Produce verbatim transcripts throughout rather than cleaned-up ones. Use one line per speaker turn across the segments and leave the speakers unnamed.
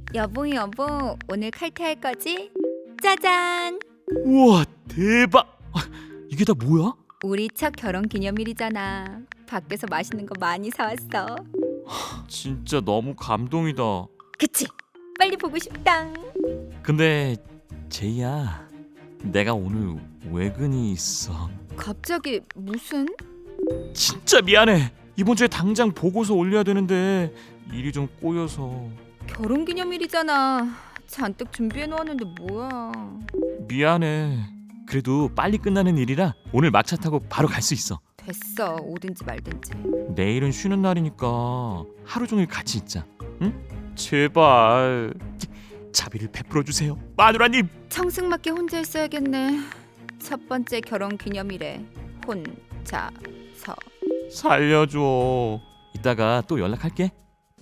여보 여보 오늘 칼퇴할 거지? 짜잔!
우와 대박! 아, 이게 다 뭐야?
우리 첫 결혼 기념일이잖아. 밖에서 맛있는 거 많이 사왔어.
진짜 너무 감동이다.
그치? 빨리 보고 싶다.
근데 제이야, 내가 오늘 외근이 있어.
갑자기 무슨?
진짜 미안해. 이번 주에 당장 보고서 올려야 되는데 일이 좀 꼬여서.
결혼 기념일이잖아. 잔뜩 준비해 놓았는데 뭐야?
미안해. 그래도 빨리 끝나는 일이라 오늘 막차 타고 바로 갈 수 있어.
됐어. 오든지 말든지.
내일은 쉬는 날이니까 하루 종일 같이 있자. 응? 제발 자비를 베풀어 주세요, 마누라님.
청승맞게 혼자 있어야겠네. 첫 번째 결혼 기념일에 혼자서.
살려줘. 이따가 또 연락할게.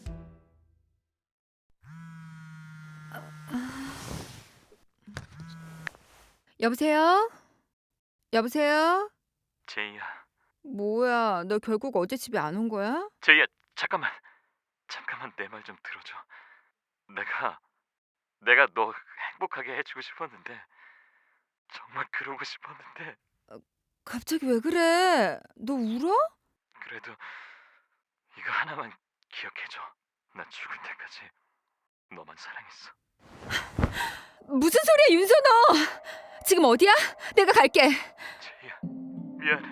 여보세요? 여보세요?
제이야.
뭐야? 너 결국 어제 집에 안 온 거야?
제이야, 잠깐만. 잠깐만 내 말 좀 들어줘. 내가 내가 너 행복하게 해주고 싶었는데, 정말 그러고 싶었는데.
갑자기 왜 그래? 너 울어?
그래도 이거 하나만 기억해줘. 나 죽을 때까지 너만 사랑했어.
무슨 소리야, 윤선호! 지금 어디야? 내가 갈게.
제이야, 미안해.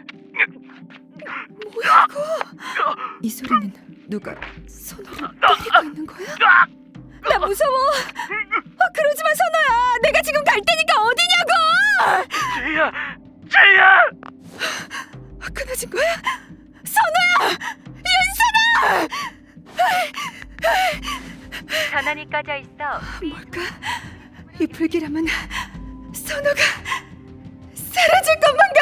뭐야 이거? 이 소리는 누가 선호를 때리고 있는 거야? 나 무서워. 아, 그러지 마, 선호야. 내가 지금 갈 테니까 어디냐고.
제이야, 제이야.
아, 끊어진 거야? 선호야! 윤선호!
전원이 꺼져 있어.
뭘까? 이 불길함은 선호가 사라질 것만